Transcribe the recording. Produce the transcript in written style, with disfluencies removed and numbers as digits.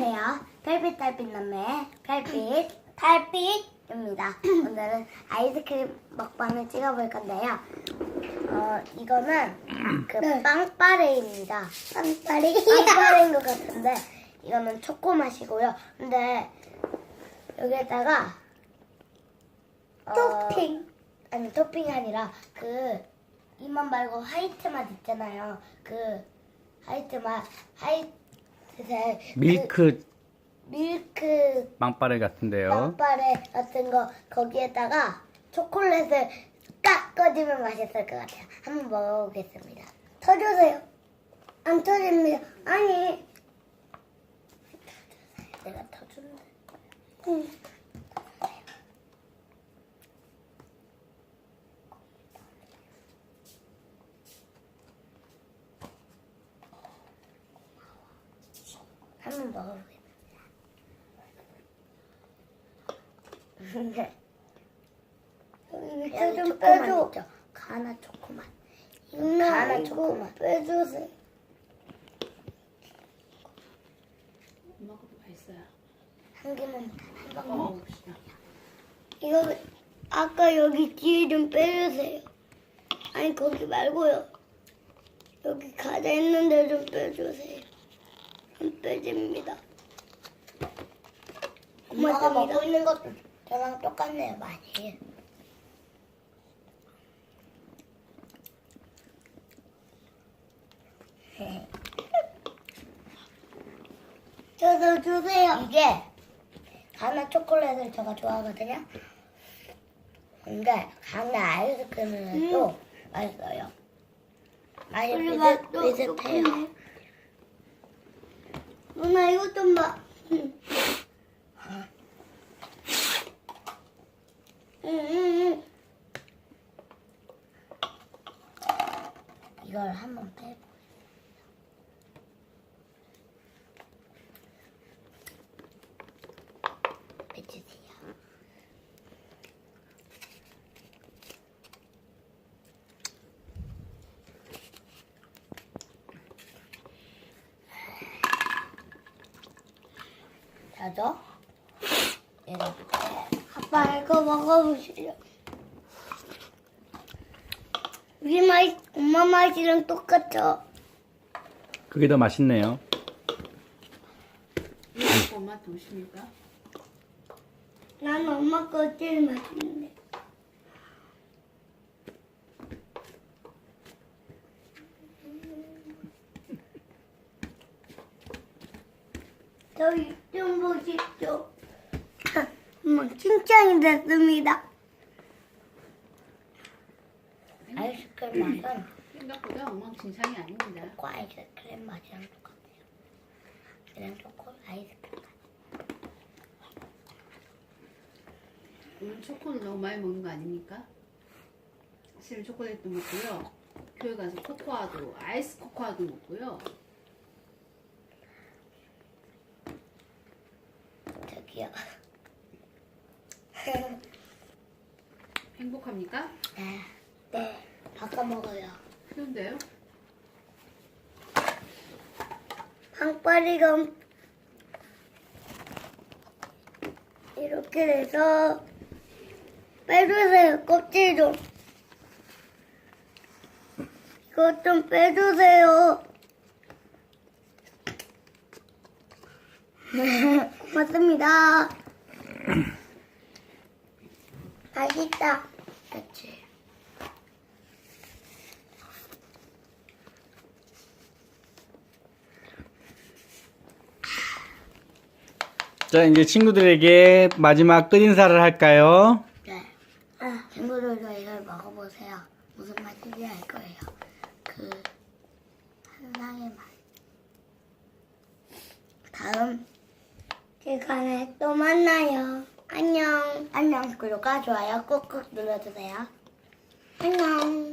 안녕하세요. 별빛 달빛 남매 별빛 달빛입니다. 오늘은 아이스크림 먹방을 찍어볼 건데요. 이거는 그 빵빠레입니다. 빵빠레인 것 같은데 이거는 초코 맛이고요. 근데 여기에다가 아니 토핑이 아니라 그 이만 말고 화이트 맛 있잖아요. 그 화이트 밀크 밀크 빵빠레 같은데요. 빵빠레 같은 거 거기에다가 초콜릿을 딱 꺼주면 맛있을 것 같아요. 한번 먹어보겠습니다. 터주세요. 안 터집니다. 아니 내가 터주는데. 한번 먹어보겠습니다. 밑에 좀 초코맛 빼줘. 있죠? 가나 초코맛. 누나 초코맛. 이거 빼주세요. 엄마 것도 맛있어요. 한 개만 한 방울. 먹어봅시다. 이거 아까 여기 뒤에 좀 빼주세요. 아니 거기 말고요. 여기 가자 있는데 좀 빼주세요. 안 빼집니다. 엄마가 고맙습니다. 먹고 있는 것도 저랑 똑같네요, 많이. 저도 주세요. 이게 가나 초콜릿을 제가 좋아하거든요. 근데 가나 아이스크림은 또 맛있어요. 맛이 우리 맛도 비슷해요. 좋겠네. 누나 이거 좀 봐. 응. 이걸 한번 빼고. 빼주세요. 자죠? 이렇게. 아빠 이거 먹어보시죠. 우리 맛, 엄마 맛이랑 똑같죠? 그게 더 맛있네요. 이거 엄마 도시니까. 난 엄마 거 제일 맛있는데. 저희 좀 보십시오. 엄마 칭찬이 됐습니다. 아이스크림 맛은 생각보다 엉망진창이 아닙니다. 초코 아이스크림 맛이랑 똑같아요. 그냥 초코 아이스크림 맛. 오늘 초코를 너무 많이 먹는 거 아닙니까? 사실 초콜릿도 먹고요. 교회 가서 코코아도 아이스 코코아도 먹고요. 저기요. 행복합니까? 네. 바꿔 먹어요. 그런데요. 빵빠리가 이렇게 돼서 빼주세요. 껍질 좀. 이거 좀 빼주세요. 고맙습니다. 맛있다. 그치. 자, 이제 친구들에게 마지막 끝인사를 할까요? 네. 친구들도 이걸 먹어보세요. 무슨 맛인지 알 거예요. 그 한상의 맛. 다음 시간에 또 만나요. 안녕. 안녕. 구독과 좋아요 꾹꾹 눌러주세요. 안녕.